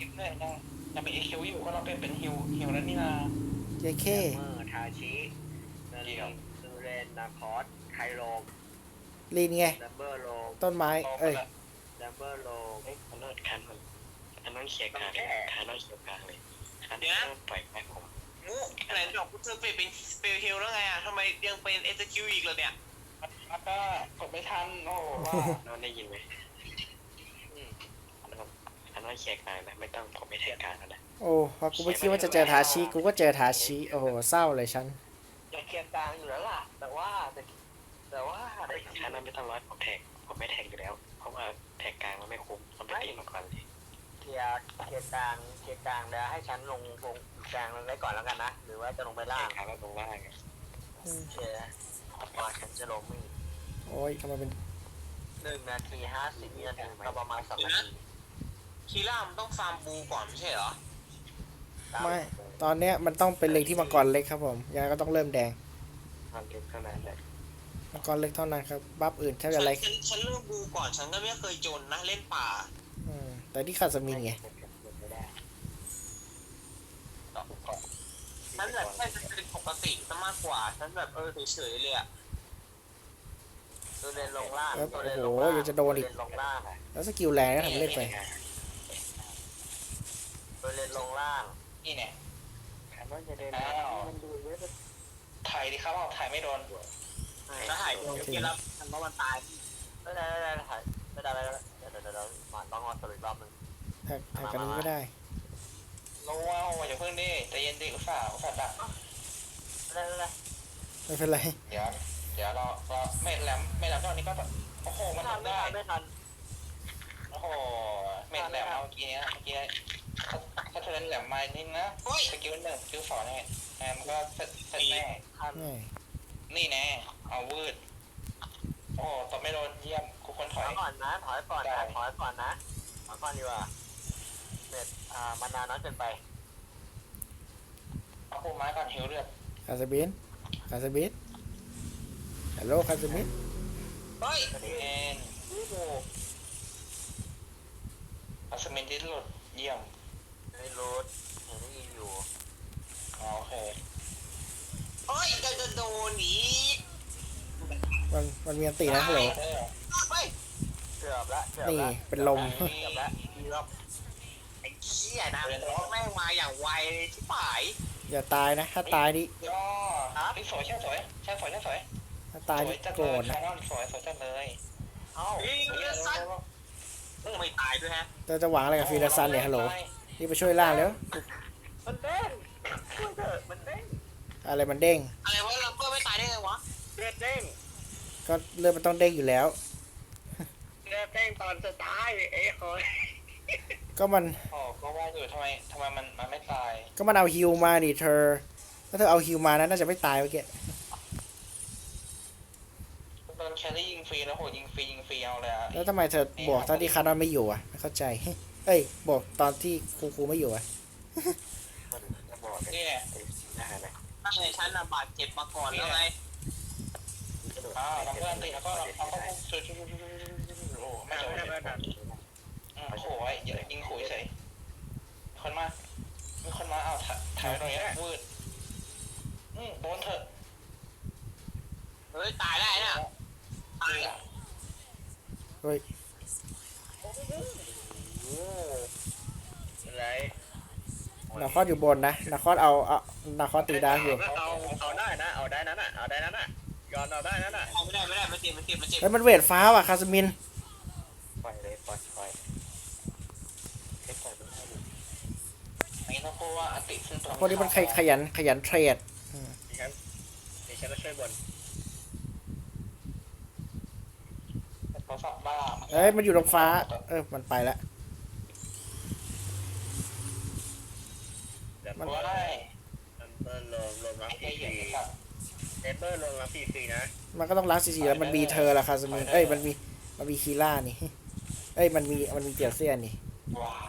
คิดเลยยังเป็นเอคิวอยู่ก็เราเป็นฮิวแล้วนี่นะเจเคเมอร์ทาชิเนลีซูเรนนาคอสไคโลมลีนไงดัมเบอร์โลมต้นไม้ เอ้ยดัมเบอร์โลมเอ้ยมันเลิศคันมันอันนั้นเขียกลางคันนั้นเขียกลางเลยคันนี้ปล่อยไปผมงูไหนบอกกูเจอเป็นสเปลฮิลแล้วไงอ่ะทำไมยังเป็นเอ q อีกเลยเนี่ยแล้วก็กดไม่ทันโอ้ว่าน้องได้ยินไหมอันนั้นเขียกลางนะไม่ต้องผมไม่แทงกลางแล้วนะโอ้พอกูไม่คิดว่าจะเจอทาชิ กูก็เจอทาชิ โอ้โห เศร้าเลยฉันจะเคลียร์กลางอยู่แล้วล่ะแต่ว่าคันนั้นไม่ต้องร้อยผมไม่แทงอยู่แล้วเพราะว่าแทงกลางมันไม่คุ้มมันไปตีมาก่อนเลยเคลียร์กลางแล้วให้ฉันลงกลางไว้ก่อนแล้วกันนะหรือว่าจะลงไปแทล่างงกลางแล้วลงล่างไงเคลียร์ว่าฉันจะลงไม่โอ้ยทำไมเป็น 1 นาที 50 วินาทีก็ประมาณ2 นาทีคีร่ามันต้องฟาร์มบูก่อนไม่ใช่เหรอไม่ ตอนเนี้ยมันต้องเป็นเล็งที่มังกรเล็กครับผมยังไงก็ต้องเริ่มแดงมันเล็กเท่านั้นแหละมังกรเล็กเท่านั้นครับ บัฟอื่นแทบจะอะไรฉันเริ่มบูก่อนฉันก็ไม่เคยจนนะเล่นป่าแต่ที่คาสมินไงไม่ได้ฉันแบบแค่จะเป็นปกติซะมากกว่าฉันแบบเฉยๆเลยอ่ะตัวเล่นลงล่างโอ้ตัวเล่นโหลงล่างยังจะโดนอีกลงล่างแล้วสกิลแรงก็ทำเล่นไปตัวเล่นลงล่างนี่เนี่ยคันว่าจะเดินมันดูเยอะถ่ายดิครับว่าถ่ายไม่โดนแล้วหายไปเกมแล้วฉันว่ามันตายไม่ได้เดี๋ยวมาต้องรอสรุปรอบนึงแท็กกันนี้ก็ได้ลงว่าอย่าเพิ่งดิใจเย็นดิอุตส่าห์ดักไม่ได้ไม่เป็นไรเดี๋ยวเราไม่แหลมตอนนี้ก็โอ้โหมันทำได้ไม่ทันโอ้โหเม็ดแหลมเมื่อกี้ถ้าเธอแหลมมานิดนะสกิล1สกิล2เนี่ยมันก็เสร็จแน่ทันนี่แน่เอาวืดโอ้ตบไม่โดนเยี่ยมกูคนถอยก่อนนะถอยก่อนดีกว่าเน็ตมานานน้อยเกินไปเอาปูไม้ก่อนหิวเลือดคาสมินฮัลโหลคาสมินเฮ้ยเอ็นอัสมินที่หลุดเยี่ยมไม่รู้เห็นได้ยินอยู่โอเคเฮ้ยจะโดนอีกมันมีอันตีนะฮัลโหลเฮ้ยเกือบละนี่เป็นลมเกือบละไอ้เหี้ยนะแม่งมาอย่างไวที่ป่ายอย่าตายนะ ถ้าตายนี่ย่อพี่สวยใช่สวยถ้าตายนี่จัดโกรเลยธนะสวยจัดเลยเอ้าเฮ้ยเลือดสั้นไม่ตายด้วยฮะจะหวังอะไรกับฟีลาซันเนี่ยฮัลโหลนี่ไปช่วยล่างแล้วมันเด้งช่วยเถอะมันเด้งอะไรมันเด้งอะไรวะลัมเบอร์ไม่ตายได้ไงวะเลือดเด้งก็เลือดมันต้องเด้งอยู่แล้วเลือดเด้งตอนสุดท้ายเอ้ยโอ้ยก็มันโอ้ก็ว่าอยู่ทำไมมันไม่ตายก็มันเอาฮิวมาดิเธอ ถ้าเธอเอาฮิวมานะน่าจะไม่ตายเมื่อกี้โดนแครี่ยิงฟรีแล้วโหยิงฟรีเอาเลยอ่ะแล้วทำไมเธอบวกตอนที่คาร์ดอนไม่อยู่อ่ะไม่เข้าใจ เอ้ยบวกตอนที่ครูไม่อยู่อ่ะมันจะบอกกันนี่ได้ไหมตั้งแต่ฉันบาดเจ็บมาก่อนแล้วไงทำเพื่อนตีแล้วก็เอาเข้าช่วยโอ้ไม่โดนโอ้โหยิงขู่เฉยคนมามีคนมาเอาถ่ายตรงนี้วืดโดนเถอะเฮ้ยตายได้น่ะตายเฮ้ยอะไรนาคอสอยู่บนนะนาคอสเอานาคอสตีดาร์กอยู่เอาได้นะเอาได้นั้นน่ะย้อนเอาได้นั้นน่ะไม่ได้มันเจ็บเฮ้ยมันเวทฟ้าว่ะคาสมินปล่อยเลยปล่อยแค่ปล่อยมันให้ดูอันนี้ต้องพูดว่าอติซึ่งตรงพวกนี้มันขยันเทรดนี่ฉันก็ช่วยบนโทรศัพท์บ้าเอ้ยมันอยู่ตรงฟ้ามันไปแล้วมันว่าได้เบอร์ลงรับฟไอ้รีเหี้ยสัตว์เบอร์ลงรับฟรีนะมันก็ต้องล้างซีแล้วมันมีเธอละคาสมินเอ้ยมันมีคีล่านี่เอ้ยมันมีเจียเซียนนี่ว้า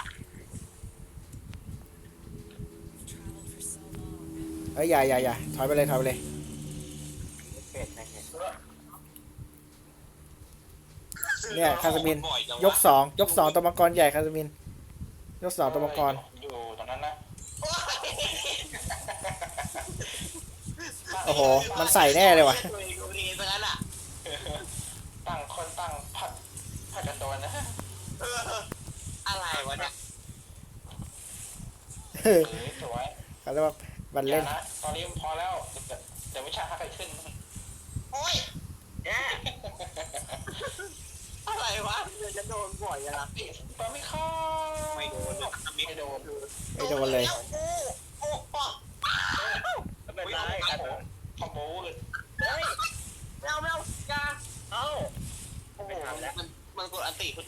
เอ้ยอย่าถอยไปเลยเป็ดนะเนี่ยเนี่ยคาสมินยกสองตัวมังกรใหญ่คาสมินยกเสาตัวมังกรอยู่ตรงนั้นนะโอ้โห มันใส่แน่เลยว่ะตัวเองดูดีซะงั้นอ่ะตั้งคนตั้งผัดกันโดนนะเอออะไรวะเนี่ยสวยเขาเรียกว่ามันอย่าเล่นนะตอนนี้พอแล้วเดี๋ยววิชาฮักกันขึ้นโอ้ยเนี่ยอะไรวะเดี๋ยวจะโดนบ่อยอะนะติดปาไม่เข้าไม่โดนเลยไม่โดนไม่โดนเลยโอ้โหไม่เป็นไรครับผมคอมโบเลยเฮ้ยไม่เอาอย่าเอ้าโอ้โหมันกดอันติคุณ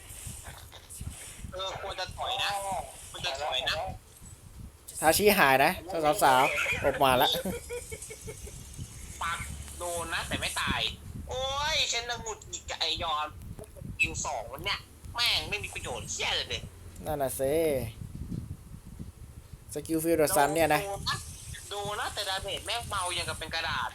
ควรจะถอยนะมันจะถอยนะทาชิหายนะสาวๆออกมาละปักโดนนะแต่ไม่ตาย โอ้ยฉันน่ะหงุดหงิดกับไอยอนกิวสองวันเนี้ยแม่งไม่มีประโยชน์เชี่ยเลยนั่นน่ะเซสกิลฟิลด์ซันเนี่ยนะโดนนะแต่ดาเมจแม่งเบาอย่างกับเป็นกระดาษ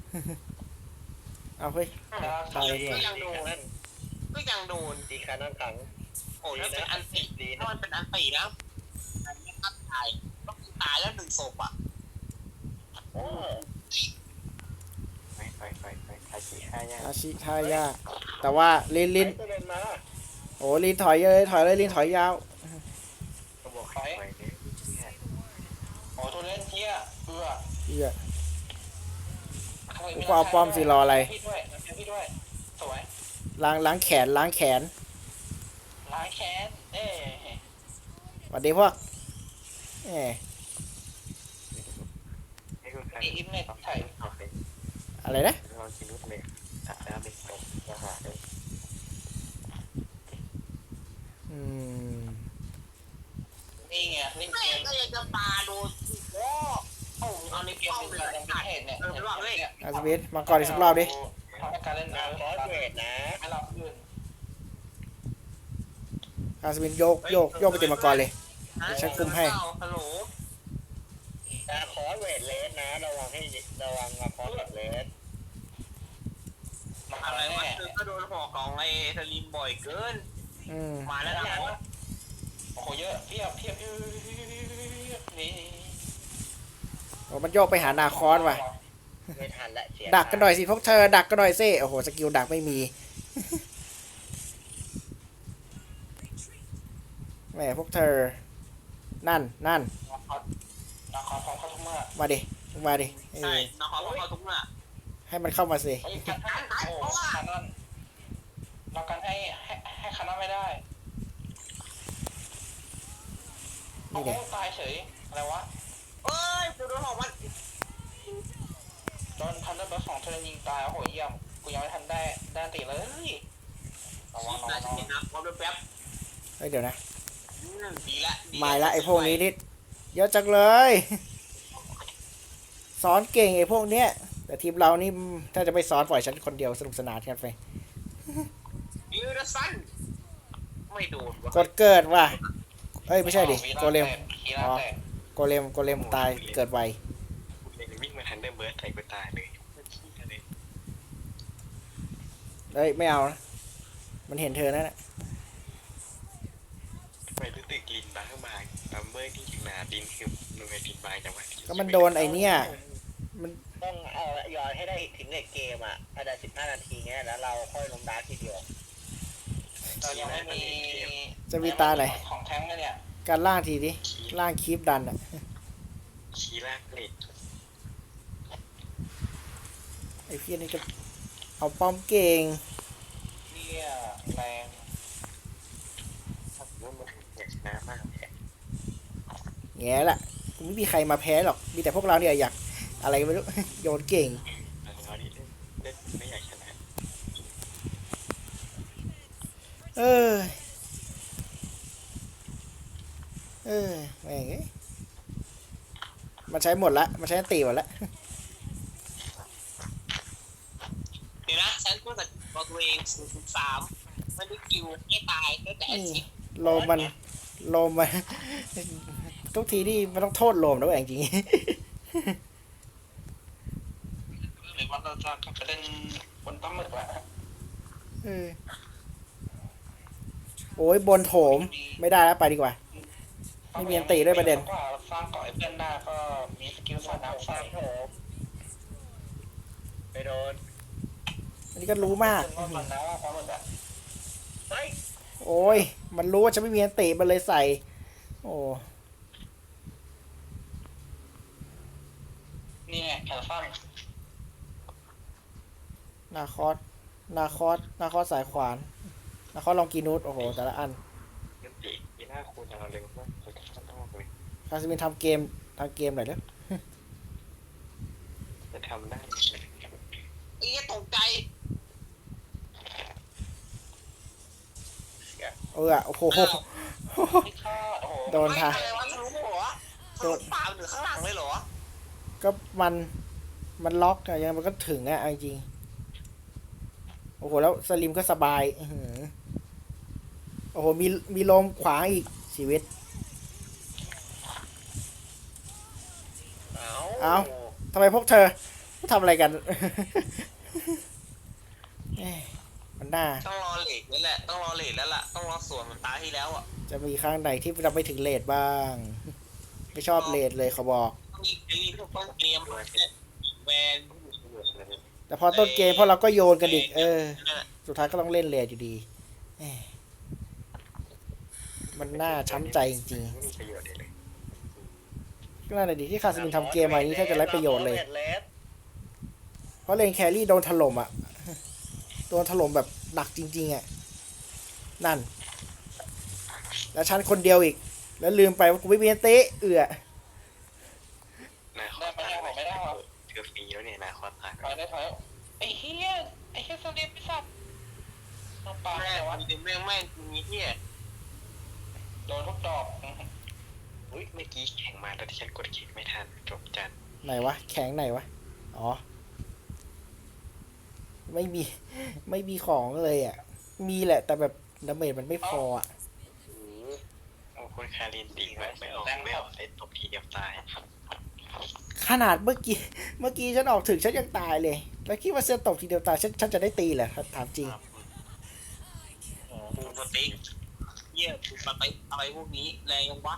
เอาเฮ้ย ตายเลยก็ยังโดนก็ยังโดนตีขานั่งขังโอ้ยแล้วเป็นอันติถ้ามันเป็นอันตินะมันไม่ทันตายต้องตายแล้วหนึ่งศพอ่ะโอ้ไปทาชิห้ายาทาชิท่ายากแต่ว่าลินก็เดินมาโอ้ลินถอยเลยลินถอยยาวก็บอกให้ไปเนี่ยโอ้ตัวเล่นเที่ยเบื่อเหี้ย กูเอาป้อมสิรออะไรพี่ด้วยพี่ด้วยสวยล้างแขนล้างแค้นสวัสดีพวกแหมนี่คือการอินเน็ตไทยโอเคอะไรนะเราคิดนุ๊กเลยตัดแล้วเป็นตรงอาหารเลยอืมนี่ไงเล่นแม่เกงมก็ยังจะปาโดนโอ้โหเอาเอาในในเกมป้อมเป็นเลยการขาดเหตุเนี่ยไม่ว่าเลยอาสวิทมาก่อนอีกสักรอบดิทำให้การเล่นนาคอสเวทนะไม่รับอื่นอาสวินโยกไปเต็มมาก่อนเลย เดี๋ยวฉันคุมให้ฮัลโหลนาคอสเวทเลสนะระวังนาคอสเวทเลสอะไรวะคือก็โดนหอกของไอ้สลิมบ่อยเกินอืมมาแล้วนะโอ้โหเยอะเพียบนี่โอ้มันโยกไปหานาคอนว่ะไม่ทันละเสียดักกันหน่อยสิพวกเธอ ดักกันหน่อยสิโอ้โห สกิลดักไม่มี แหมพวกเธอ นั่นนาคอพร้อมเข้าทุกเมื่อมาดิเอใช่อน้องเขาเขาทุกเมื่อให้มันเข้ามาสิเฮ้ยกันให้โอ้คานอนเรากันให้คานอนไม่ได้โอ้นี่เด็ตายเฉยอะไรวะเอ้ยกูโดนหอกมันโดนทันเดอร์เบิร์ดของเธอยิงตายโอ้โหเยี่ยมกูยังไม่ทันได้ตีเลยระวังน่าจะเห็นนะพร้อมด้วยแป๊บเฮ้ยเดี๋ยวนะดีละมาละไอ้พวกนี้นิดเยอะจังเลย สอนเก่งไอ้พวกเนี้ย แต่ทีมเรานี่ถ้าจะไปสอนปล่อยฉันคนเดียวสนุกสนานกันไปยูดซันไม่โดนกดเกิดว่ะเอ้ยไม่ใช่ดิโกเลมคีร่าแตกโกเลมตายเกิดไวเลยวิ่งมาทันเดอร์เบิร์ดใส่กูตายเลยเฮ้ยไม่เอานะมันเห็นเธอนั่นแหละทำไมรู้สึกลินบางบัมเบอร์ที่จริงนาดินคือมันเป็นลินบางจังหวะก็มันโดนไอเนี่ยต้องเอาย้อนให้ได้ถึงในเกมอ่ะอาจจะ15 นาทีเงี้ยแล้วเราค่อยลงดาร์กทีเดียวเรายังไม่มีจะมีตาไหนของแท้งเลยเนี่ยการล่างทีดิล่างคีปดันอ่ะชี้ลากเลดไอพี่นี่จะเอาป้อมเก่งเนี่ยแรงว่ามันอยากชนะมากเลยแง่ละไม่มีใครมาแพ้หรอกมีแต่พวกเราเนี่ยอยากอะไรไม่รู้ โยนเก่งเราที่เล่นไม่อยากชนะเออแม่งเอ้ยมันใช้หมดละมันใช้ตีหมดละเดี๋ยวนะฉันพูดกับตัวเอง0.3มันได้คิวไม่ตายตั้งแต่นี่ชิปโลมัน ทุกทีนี่มันต้องโทษโลมนะเว้ยจริงหรือว่าเราจะกลับไปเล่นบนต้มหมึกละๆโอ้ยบนโถมไม่ได้แล้วไปดีกว่ามไม่มีอันติด้วยประเด็นกว่าสร้างเกาะไอ้เพื่อนหน้าก็มีสกิลสาดน้ำใส่ไปโดนอันนี้ก็รู้มากถึงว่ามันนะว่าความมันแบบเฮ้ยโอ้ยมันรู้ว่าฉันไม่มีอันติมันเลยใส่ โอ้นี่ไงแขนสั้นนาคอสนาคอสสายขวานนาคอสลองกีนูดโอ้โหแต่ละอันงั้นตีมีหน้าคูณเอาเร็วมากเลยต้องเลยคาสมินทำเกมหน่อยเด้อจะทำได้ไอ้เหี้ยตกใจโอ้โหที่ฆ่าโอ้โหโดนไม่ทาอะไรวะทะลุหัวทะลุปากหรือข้างหลังเลยเหรอก็มันล็อกอะยังมันก็ถึงอะเอาจริงโอ้โหแล้วสลิมก็สบายอื้อหือโอ้โหมีลมขวางอีกชีวิต เอ้า ทำไมพวกเธอทำอะไรกัน เอ้ยมันน่าต้องรอเลทนี่แหละต้องรอเลทแล้วล่ะต้องรอสวนเหมือนตาที่แล้วอ่ะจะมีครั้งไหนที่เราไปถึงเลทบ้าง ไม่ชอบเลทเลยเขาบอกต้องมีพวกต้นเกมแวนแต่พอต้นเกมพอเราก็โยนกันอีกสุดท้ายก็ต้องเล่นเลทอยู่ดีเอ้ยมันน่าช้ำใจจริงไม่มีประโยชน์เลยๆก็น่าจะดีที่คาสมินทำเกมอะไรนี้แทบจะไร้ประโยชน์เลย เพราะเลนแครี่โดนถล่มอ่ะ โดนถล่มแบบหนักจริงๆอ่ะ นั่น แล้วฉันคนเดียวอีก แล้วลืมไปว่ากูไม่มีอันเตะนาคอตายเกือบฟรีแล้วเนี่ยนาคอตตายถอยได้ถอยไอ้เฮียสลิปไอ้สัตว์ต้องปาแม่แต่วัว่านเดียวแม่งแม่งมีเหี้ยโดนทุกดอกอุ้ยเมื่อกี้แข่งมาแล้วที่ฉันกดคลิกไม่ทันจบจันไหนวะ แข็งไหนวะ อ๋อ ไม่มีของเลยอ่ะ มีแหละ แต่แบบดาเมจมันไม่พออ่ะโอ้คนคารินตีไม่ออกไอ้ตบทีเดียวตายขนาดเมื่อกี้ฉันออกถึงฉันยังตายเลย แล้วคิดว่าเซนตกทีเดียวตายฉันจะได้ตีเหรอถามจริงปูสติ๊กเหี้ยปูสติ๊กอะไรพวกนี้แรงยังวะ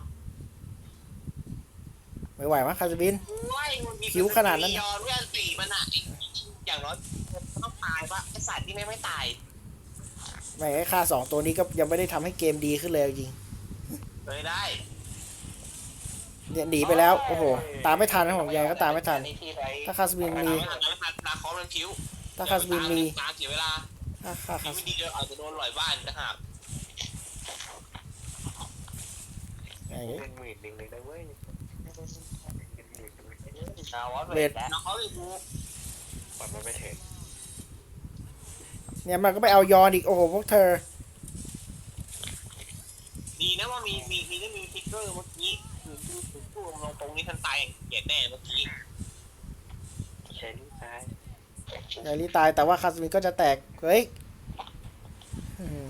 ไม่ไหวมั้งคาสบินว้ายมันมีผิวขนาดนั้นยอนเพื่อนตีมันอ่ะอย่างน้อยต้องตายปะไอสัตว์ที่ไม่ตายไม่ไอ้ค่า2ตัวนี้ก็ยังไม่ได้ทำให้เกมดีขึ้นเลยจริงเลยได้เนี่ยหนีไปแล้ว โอ้โห ตามไม่ทันนะผมยังไงก็ตามไม่ทัน ถ้าคาสบินมีนาคอมันผิวถ้าคาสบินมีตามเสียเวลาถ้าคาที่สไม่ดีเดี๋ยวอาจจะโดนหลอยบ้านนะครับไอ้เป็นหมื่นหนึ่งเลยนะเว้ยเลดนาคอเลยดูปล่อยมันไปเถอะเนี่ยมันก็ไปเอายอนอีก โอ้โห พวกเธอดีนะว่ามีฟิกเกอร์เมื่อกี้คือพูดตรงนี้ทันตายเกลียดแน่เมื่อกี้แค่นี้ตายไอรีตายแต่ว่าคาสมินก็จะแตก เฮ้ยอืม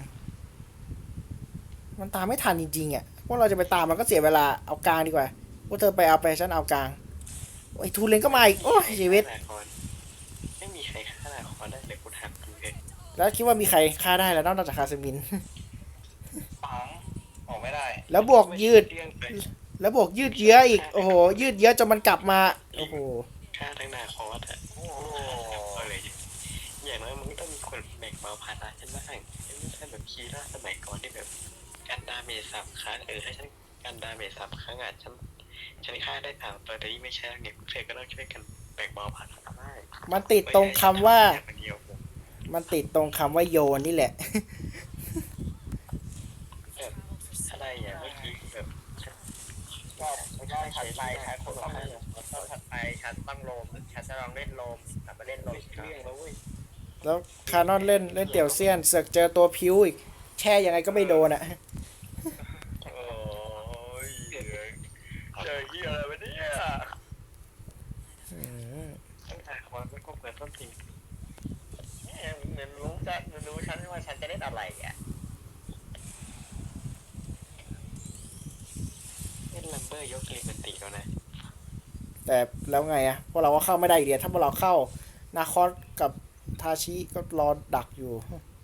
มันตามไม่ทันจริงๆอ่ะพวกเราจะไปตามมันก็เสียเวลาเอากลางดีกว่าพวกเธอไปเอาไปฉันเอากลางไอ้ทูเลนก็มาอีกโอ้ยชีวิตไม่มีใครฆ่านาคอนได้เลยคุณหักดูเลยแล้วคิดว่ามีใครฆ่าได้แล้วนอกจากคาสมินปังออกไม่ได้แล้วบวกยืดเรื่องไปแล้วบวกยืดเยื้ออีก โอ้โห ยืดเยื้อจนมันกลับมา โอ้โหฆ่าทั้งนาคอสอะโอ้โหเลยอย่างน้อยมึงต้องมีคนแบ่งเบาภาระฉันบ้างไม่ใช่แบบคีร่าสมัยก่อนที่แบบการดาเมจ3 ครั้งให้ฉันการดาเมจ3 ครั้งอ่ะฉันฆ่าได้3 ตัวแต่นี่ไม่ใช่เนี่ยเธอก็ต้องช่วยกันแบ่งเบาภาระได้มันติดตรงคำว่าคนเดียวมันติดตรงคำว่าโยนนี่แหละอะไรอย่างเมื่อกี้แบบรอบถัดไปฉันคงต้องรอบถัดไปฉันต้องโลมฉันจะลองเล่นโลมกลับมาเล่นโลมเรื่องแล้วเว้ยแล้วคานอนเล่นเตี่ยวเซียนเสือกเจอตัวพิวอีก แช่ยังไงก็ไม่โดนอ่ะโอ้ยเจอเหี้ยอะไรวะเนี่ยอืมตั้งแต่คอนมันก็เปิดต้นทีเหมือนรู้ฉันว่าฉันจะเล่นอะไรอ่ะเล่นลัมเบอร์ยกลิมันติแล้วนะแต่แล้วไงอะพวกเราก็เข้าไม่ได้อีกเดียวถ้าพวกเราเข้านาคอสกับทาชิก็รอดักอยู่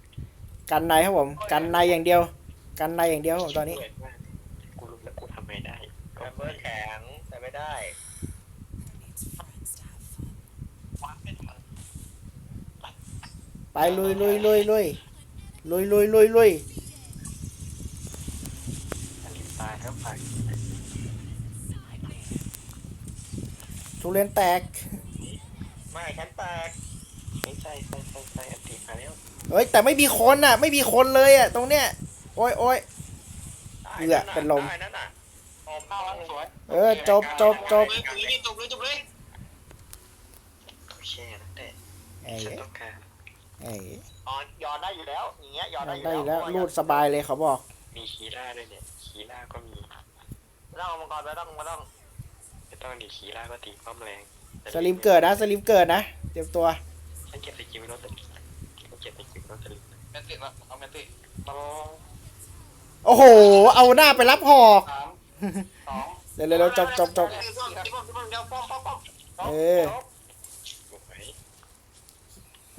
กันในครับผม กันในอย่างเดียว กันในอย่างเดียวครับผมตอนนี้กูรู้แล้วกูทำไงได้เบอร์แข็งแต่ไม่ได้วัดเป็นมันไปลุยลุยลุยลุยลุยลุยลุยลุยอันนี้ตายแล้วไปทุเรียนแตกไม่ฉันแตกไม่ใช่อันตีมาแล้วเฮ้ยแต่ไม่มีคนอ่ะ ไม่มีคนเลยอ่ะตรงเนี้ยโอ้ยโอ้ย เอื้อเป็นลมได้นั่นน่ะออกเข้าเข้าแล้วสวยจบจบจบจบเลยโอเคนั่นแหละไอ้ฉันต้องการไอ้อ๋อยอนได้อยู่แล้วอย่างเงี้ยยอนได้อยู่ได้อยู่แล้วเพราะรูดสบายเลยเขาบอกมีคีร่าด้วยเนี่ยคีร่าก็มีไม่ต้องเอามังกรไม่ต้องไม่ต้องดีคีร่าก็ตีป้อมแรงสลิมเกิดนะสลิมเกิดนะเตรียมตัวฉันเก็บสกิลไม่ต้องสลิมฉันเก็บสกิลไม่ต้องสลิมแมนติละเอาแมนติต้องโอ้โห เอาหน้าไปรับหอก 3 2 เร็วเร็วจบจบจบเดี๋ยวป้อมเออสวยแม่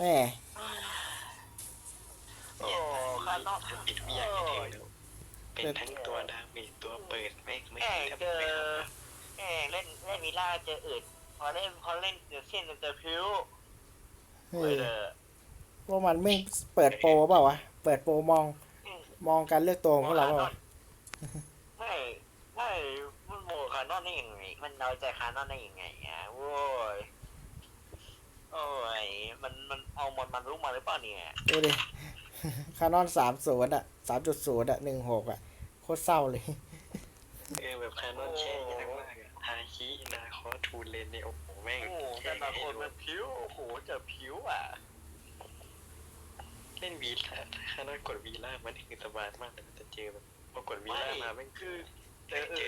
โอ้ข้างนอกปิดทุกอย่างให้เร็วแล้วเป็นทั้งตัวดาเมจตัวเปิดไม่แอบทำเจอไม่เล่นมิล่าเจออืดพอเล่นเดี๋ยวเส้นเจอพิ้วเฮ้เฮ้ยยเลยพวกมันไม่เปิดโปรเปล่าวะเปิดโปรมองการเลือกตัวของพวกเราเปล่าวะไม่มันโมคานอนได้ยังไงมันน้อยใจคานอนได้ยังไงอ่ะโว้ยโอ้ยมันเอามันรู้มาหรือเปล่าเนี่ยดูดิ คานอน30อ่ะ3.0อ่ะ16อ่ะโคตรเศร้าเลยแบบคานอนแช่ยากมากอะฮาคินาคอทูเลนเนี่ยโอ้โหแม่งโอ้โหแต่บางคนมันผิวโอ้โหเจอผิวอ่ะเล่นวีล่าคานอนกดวีล่ามันคือสบายมากแต่จะเจอแบบพอกดวีล่ามาแม่งคือเจอ